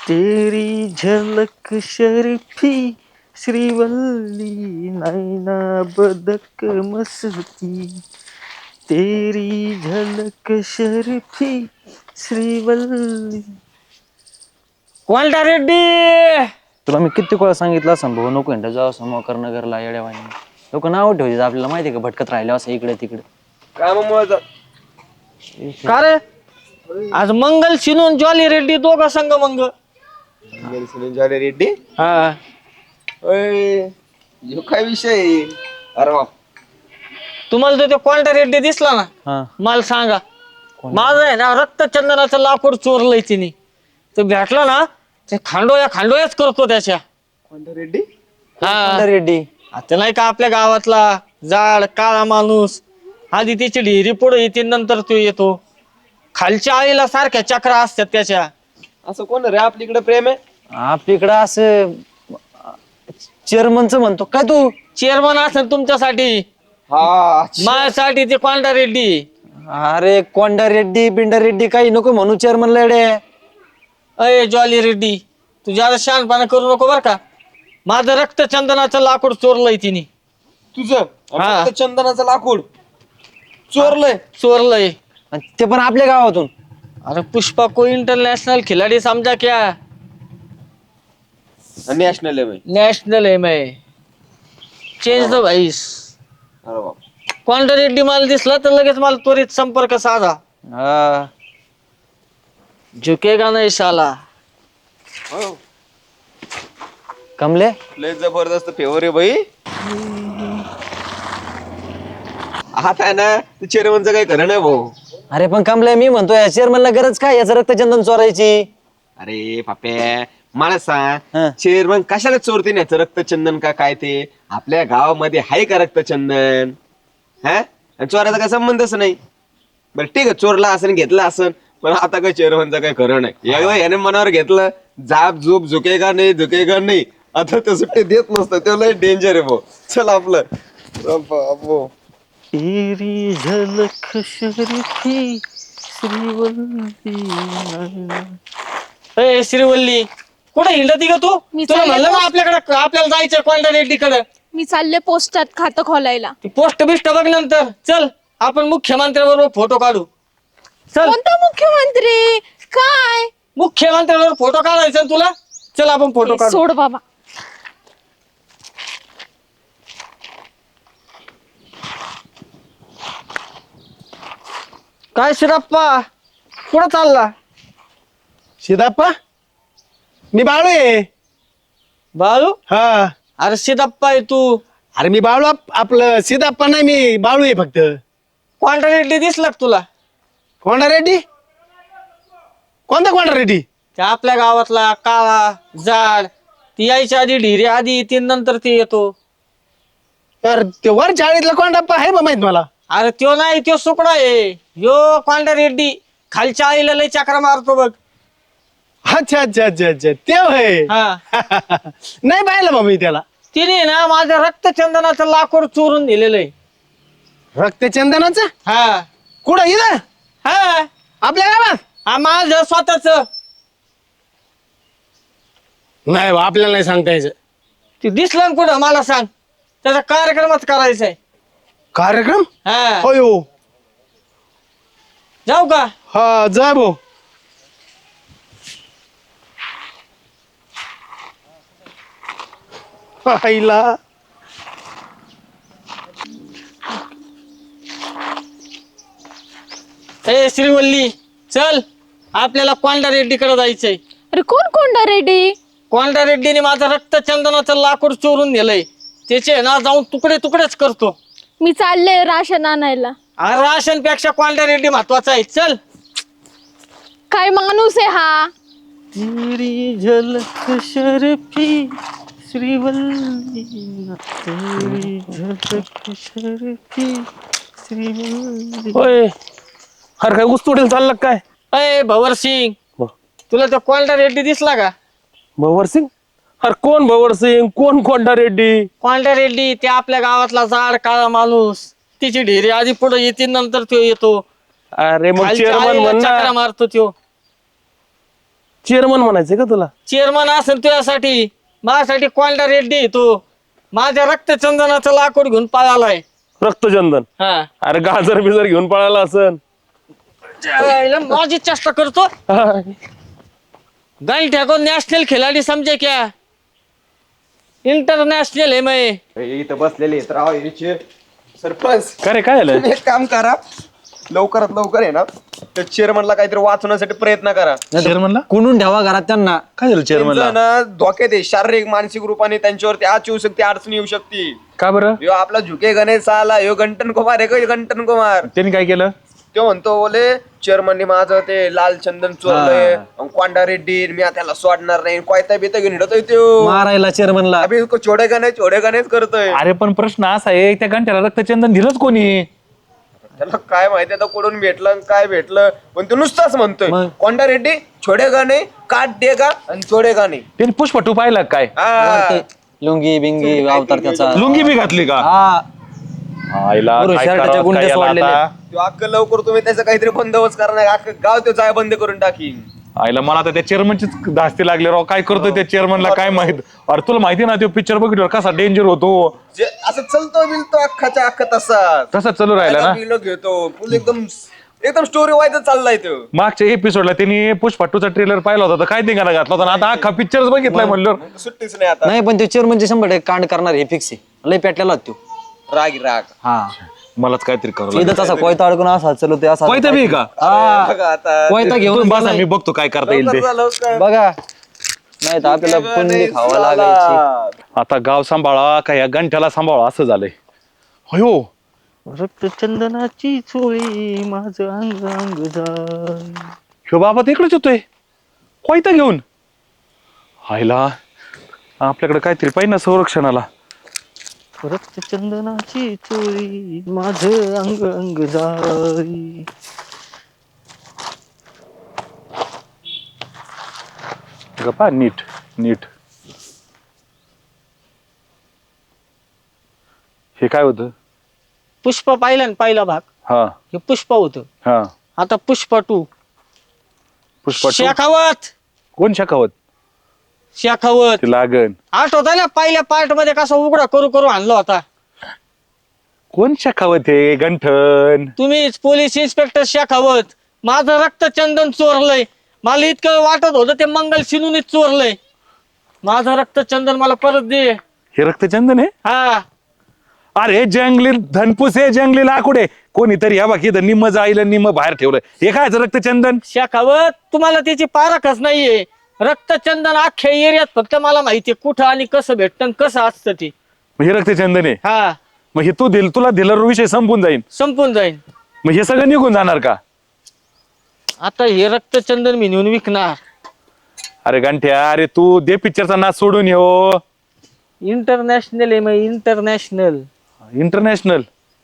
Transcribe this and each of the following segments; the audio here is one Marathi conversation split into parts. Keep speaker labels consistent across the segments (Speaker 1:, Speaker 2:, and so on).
Speaker 1: तेरी झलक शर्फी श्रीवल्ली नैना बदक मस्ती तेरी झलक शर्फी श्रीवल्ली. कोणता रेड्डी? तुला मी किती वेळा सांगितलं असं भाऊ नको इंटा जाऊ समोर नगरला येड्यावानी. लोक नाव ठेवतात आपल्याला माहिती का भटकत राहिले असं इकडे तिकडे.
Speaker 2: कामामुळे
Speaker 1: का रे आज मंगल शिनून जॉली रेड्डी दोघं संघ मंग.
Speaker 2: झाले रेड्डी.
Speaker 1: हा
Speaker 2: काय विषय? अरे वा,
Speaker 1: तुम्हाला तो कोणता रेड्डी दिसला ना मला सांगा. माझं आहे ना रक्तचंदनाचं लाकूड चोरलंय तिने. तो भेटला ना ते खांडोयाच करतो त्याच्या.
Speaker 2: कोणता रेड्डी?
Speaker 1: हा रेड्डी आता नाही का आपल्या गावातला जाड काळा माणूस. आधी त्याची ढिरी पुढे येते नंतर तो येतो. खालच्या आईला सारख्या चक्रा असतात त्याच्या.
Speaker 2: असं कोण रे आपलीकडे प्रेम आहे?
Speaker 1: आपलीकडं असं चेअरमनच म्हणतो काय तू? चेअरमन असेल तुमच्यासाठी.
Speaker 2: हा
Speaker 1: माझ्यासाठी ते कोंडा रेड्डी. अरे कोंडा रेड्डी बिंडा रेड्डी काही नको म्हणू चेअरमन लेडे. अय जॉली रेड्डी तू ज्यादा शहाणपणा करू नको बर का. माझं रक्तचंदनाचं लाकूड चोरलंय तिने.
Speaker 2: तुझं चंदनाचं लाकूड चोरलंय
Speaker 1: ते पण आपल्या गावातून. अरे पुष्पा को इंटरनॅशनल खिलाडी समजा क्या.
Speaker 2: नॅशनल आहे.
Speaker 1: नॅशनल है मैं चेंज द व्हाइस.
Speaker 2: अरे वा,
Speaker 1: कोंडा रेड्डी मला दिसला तर लगेच मला त्वरित संपर्क साधा. झुकेगा नाही शाला. कमले
Speaker 2: लय जबरदस्त फेवर आहे भाई. आता आहे ना चेअरमनचं काही खरं नाही भाऊ.
Speaker 1: अरे पण कमले मी म्हणतोय चेअरमनला गरज काय याचं रक्तचंदन चोरायची?
Speaker 2: अरे पाप्या मला सांग, चेअरमन कशाला चोरते याचं रक्तचंदन का काय ते? आपल्या गावामध्ये आहे का रक्तचंदन? हा चोराचा काय संबंधच नाही. बरं ठीक आहे, चोरला असेल घेतला असेल, पण आता काय चेअरमनचं काही खरं नाही. एकदा याने मनावर घेतलं जाप झोप झुकेगा नाही आता ते सुट्टी देत नसतं. ते लय डेंजर आहे भाऊ. चल आपलं
Speaker 1: तेरी झलक शर्फी श्रीवल्ली. ए श्रीवल्ली कुठे हिंडती का तू? तुला म्हणलं ना आपल्याकडे आपल्याला जायचं कोंडा रेड्डीकडे.
Speaker 3: मी चालले पोस्टात खातं खोलायला.
Speaker 1: ती पोस्ट बिस्ट बघ नंतर. चल आपण मुख्यमंत्र्याबरोबर फोटो काढू. चल
Speaker 3: कोणता मुख्यमंत्री? काय
Speaker 1: मुख्यमंत्र्याबरोबर फोटो काढायचा तुला. चल आपण फोटो काढू.
Speaker 3: सोड बाबा.
Speaker 1: काय शिराप्पा कुठं चालला?
Speaker 4: सिद्धप्पा मी बाळू आहे.
Speaker 1: बाळू?
Speaker 4: हा
Speaker 1: अरे सिद्धप्पा आहे तू.
Speaker 4: अरे मी बाळू आपलं सिद्धप्पा नाही, मी बाळू आहे फक्त.
Speaker 1: कोंडा रेड्डी दिसला का तुला?
Speaker 4: कोंडा रेड्डी? कोणता कोंडा रेड्डी?
Speaker 1: त्या आपल्या गावातला काळा जाड. ती यायच्या आधी ढिरे आधी येते नंतर ते येतो.
Speaker 4: तर ते वर चाळीतला कोंडाप्पा आहे बा माहित मला.
Speaker 1: अरे त्यो नाही त्यो सुकडा आहे. यो कोंडा रेड्डी खालच्या आईला लय चक्रा मारतो बघ.
Speaker 4: अच्छा अच्छा अच्छा अच्छा ते होय.
Speaker 1: हा
Speaker 4: नाही पाहिलं बा मी त्याला.
Speaker 1: तिने ना माझं रक्तचंदनाचं लाकूड चोरून दिलेलं आहे.
Speaker 4: रक्तचंदनाचं?
Speaker 1: हा
Speaker 4: कुठं इथं
Speaker 1: हा
Speaker 4: आपल्या गावात?
Speaker 1: हा माझं स्वतःच.
Speaker 4: नाही बा आपल्याला नाही सांगता यायचं.
Speaker 1: ते दिसलं ना कुठं मला सांग. त्याचा कार्यक्रमच करायचा आहे.
Speaker 4: कार्यक्रम?
Speaker 1: हा
Speaker 4: हो
Speaker 1: जाऊ का?
Speaker 4: हा जा भाऊ. आईला
Speaker 1: ए श्रीवल्ली चल आपल्याला कोंडा रेड्डीकडे जायचंय.
Speaker 3: अरे कोण कोंडा रेड्डी?
Speaker 1: कोंडा रेड्डीने माझं रक्तचंदनाचं लाकूड चोरून नेलंय. त्याचे ना जाऊन तुकडे तुकडेच करतो.
Speaker 3: मी चालले राशन आणायला.
Speaker 1: राशन पेक्षा कोंडा रेड्डी महत्वाचा आहे. चल.
Speaker 3: काय माणूस आहे हा?
Speaker 1: तेरी झलक शर्फी श्रीवल्ली तेरी झलक शर्फी श्रीवल्ली.
Speaker 4: होय. अरे काय उस्तुडील चाललं काय?
Speaker 1: अय भवर सिंग तुला तो कोंडा रेड्डी दिसला का?
Speaker 4: भवर सिंग? अरे कोण भवर सिंग कोण कोंडा रेड्डी?
Speaker 1: कोंडा रेड्डी ते आपल्या गावातला जाड काळा माणूस. तिची ढेरी आधी पुढे येते नंतर तो येतो.
Speaker 4: अरे मग
Speaker 1: खालच्या
Speaker 4: चेअरमन
Speaker 1: आईला
Speaker 4: म्हण
Speaker 1: चक्रा
Speaker 4: ना.
Speaker 1: मारतो त्यो.
Speaker 4: चेअरमन म्हणायचंय का तुला?
Speaker 5: चेअरमन असेल तुझ्यासाठी, माझ्यासाठी कोंडा रेड्डी आहे तू. माझ्या रक्तचंदनाचं लाकूड घेऊन पळालाय.
Speaker 4: रक्तचंदन?
Speaker 5: हा
Speaker 4: अरे गाजर बिजर घेऊन पळाला असन.
Speaker 5: माझी चेष्टा करतो. गाई ठेको नॅशनल खिलाडी समजे क्या, इंटरनॅशनल आहे मैं.
Speaker 2: इथं बसलेले आहेत राव याचे सरपंच.
Speaker 4: काय रे, काय झालं?
Speaker 2: तुम्ही एक काम करा, लवकरात लवकर आहे ना त्या चेअरमनला काहीतरी वाचवण्यासाठी प्रयत्न करा.
Speaker 4: चेअरमनला
Speaker 5: कुणून ठेवा घरात त्यांना.
Speaker 4: काय झालं चेअरमनला?
Speaker 2: त्यांचं ना धोक्यात आहे, शारीरिक मानसिक रूपाने त्यांच्यावरती आज येऊ शकते, अडचण येऊ शकते.
Speaker 4: का बरं?
Speaker 2: ह्यो आपला झुके गणेश आला, ह्यो गंटन कुमार आहे का, गंटन कुमार.
Speaker 4: त्यांनी काय केलं?
Speaker 2: तो म्हणतो बोले चेअरमनने माझं ते लाल चंदन चोरलंय, कोंडा रेड्डी, मी आता त्याला सोडणार नाही, कोयता बिता घेऊन हिडतोय तो
Speaker 5: मारायला चेअरमनला.
Speaker 2: अभि छोडे गणेश करतोय.
Speaker 4: अरे पण प्रश्न असा आहे, त्या घंट्याला रक्तचंदन दिलंच कोणी?
Speaker 2: त्याला काय माहिती आता कुठून भेटलं आणि काय भेटलं, पण तो नुसताच म्हणतोय कोंडा रेड्डी छोडे गाणे काट दे का आणि छोडे गाणे.
Speaker 4: त्यांनी पुष्पटू पाहिला काय?
Speaker 5: लुंगी बिंगी अवतार त्याचा.
Speaker 4: लुंगी बी घातली का? आईला
Speaker 5: बरोबर,
Speaker 4: काय
Speaker 5: शर्टाच्या
Speaker 4: करावं,
Speaker 5: गुंड्या
Speaker 4: काय याला
Speaker 5: सोडलेल्या.
Speaker 4: आता?
Speaker 2: तो अख्खं लवकर तुम्ही त्याचा काहीतरी बंदोबस्त करणार, अख्खं गाव तो जाय बंद करून टाकीन.
Speaker 4: आईला मला आता त्या चेअरमनचीच धास्ती लागली राव. काय करतोय त्या चेअरमनला काय माहित? अरे तुला माहिती ना, तो पिक्चर बघितल्यावर कसा डेंजर होतो.
Speaker 2: जे असं चलतो बिलतो अख्खाच्या अख्खा
Speaker 4: तसाच चालू राहिला ना.
Speaker 2: बिलो घेतो फुल एकदम एकदम स्टोरी वाईज चाललाय तो.
Speaker 4: मागच्या एपिसोडला त्यांनी पुष्पा 2चा ट्रेलर पाहिला होता, तर काय धिंगाणा घातला होता, आणि आता अख्खा पिक्चरच बघितलाय म्हणलं.
Speaker 2: सुट्टीच नाही आता.
Speaker 5: नाही पण ते चेअरमनचे 100% कांड करणार हे फिक्स आहे. लय पेटलेला तो.
Speaker 2: राग
Speaker 5: हा
Speaker 4: मलाच काहीतरी करू
Speaker 5: इथं तसा कोयता अडकून असा चलतो असा.
Speaker 4: कोयता बी का?
Speaker 2: बघा आता
Speaker 5: कोयता घेऊन
Speaker 4: बसा, मी बघतो काय करता येईल ते.
Speaker 2: लवकर.
Speaker 5: बघा. नाही तर आपल्याला पुंडी खावा लागायची.
Speaker 4: आता गाव सांभाळा का या गंठ्याला सांभाळा असं झालंय. अयो,
Speaker 1: रक्तचंदनाची चोळी माझं अंग अंग जाय.
Speaker 4: ह्यो बाबा तिकडेच होतोय कोयता घेऊन. हायला आपल्याकडे काहीतरी पाहिजे ना संरक्षणाला.
Speaker 1: रक्तचंदनाची चोळी माझं अंग अंग जाय.
Speaker 4: गप्पा नीट नीट. हे काय होतं?
Speaker 5: पुष्प पाहिलं ना, पहिला भाग
Speaker 4: हा
Speaker 5: हे पुष्प होतं.
Speaker 4: हा.
Speaker 5: आता पुष्प 2.
Speaker 4: पुष्पा 2?
Speaker 5: शेखावत.
Speaker 4: कोण शेखावत?
Speaker 5: शेखावत
Speaker 4: ते लागन.
Speaker 5: आठवत ना पहिल्या पार्ट मध्ये कसा उघडा करू करू आणला होता.
Speaker 4: कोण शेखावत हे? गंठन.
Speaker 5: तुम्हीच पोलीस इन्स्पेक्टर शेखावत. माझं रक्तचंदन चोरलंय. मला इतकं वाटत होतं ते मंगल सिनूनीच चोरलंय. माझं रक्तचंदन मला परत दे.
Speaker 4: हे रक्तचंदन आहे?
Speaker 5: हा
Speaker 4: अरे जंगली धनपूस आहे, जंगली लाकूड आहे. कोणीतरी या बाकी निम्म जाईल निम्म बाहेर ठेवलंय. हे काय रक्तचंदन?
Speaker 5: शेखावत तुम्हाला त्याची पारखच नाहीये. रक्तचंदन अख्ख्या एरियात फक्त मला माहितीये कुठं आणि कसं भेटतं कसं असतं ते.
Speaker 4: हे रक्तचंदन आहे?
Speaker 5: हा
Speaker 4: मग हे तुला दिल्यावर विषय संपून जाईल.
Speaker 5: संपून जाईल.
Speaker 4: मग हे सगळं निघून जाणार का?
Speaker 5: आता हे रक्तचंदन मी नेऊन विकणार.
Speaker 4: अरे गंठ्या, अरे तू दे पिक्चरचा नाच सोडून येऊ.
Speaker 5: इंटरनॅशनल आहे मग इंटरनॅशनल.
Speaker 4: इंटरनॅशनल.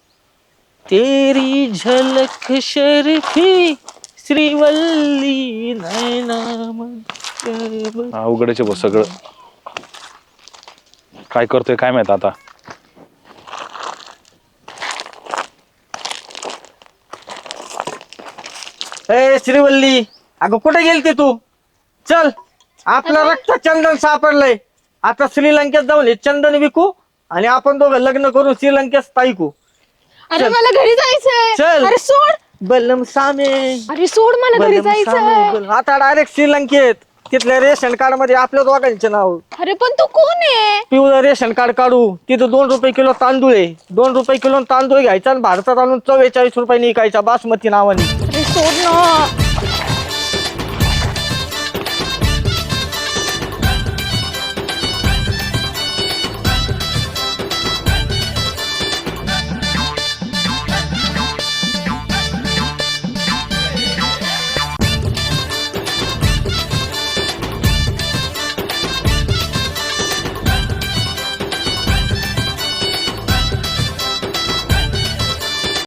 Speaker 5: तेरी झलक शर्फी श्रीवल्ली नैना.
Speaker 4: अवघडच आहे सगळं. काय करतोय काय माहित आता.
Speaker 5: ए श्रीवल्ली, अगं कुठे गेलते तू? चल, आपलं रक्तचंदन सापडलंय. आता श्रीलंकेत जाऊन हे चंदन विकू आणि आपण दोघं लग्न करून श्रीलंकेत स्थायिकू.
Speaker 3: अरे मला घरी जायचंय.
Speaker 5: चल.
Speaker 3: अरे सोड.
Speaker 5: बलम सामे.
Speaker 3: अरे सोड, मला घरी जायचंय.
Speaker 5: आता डायरेक्ट श्रीलंकेत. तिथल्या रेशन कार्ड मध्ये आपल्या दोघांचे नाव.
Speaker 3: अरे पण तू कोण आहे?
Speaker 5: पिवळं रेशन कार्ड काढू. तिथं 2 रुपये किलो तांदूळ आहे. 2 रुपये किलो तांदूळ घ्यायचा आणि भारतात आणून 44 रुपयाने विकायचा बासमती नावाने.
Speaker 3: अरे सोड ना.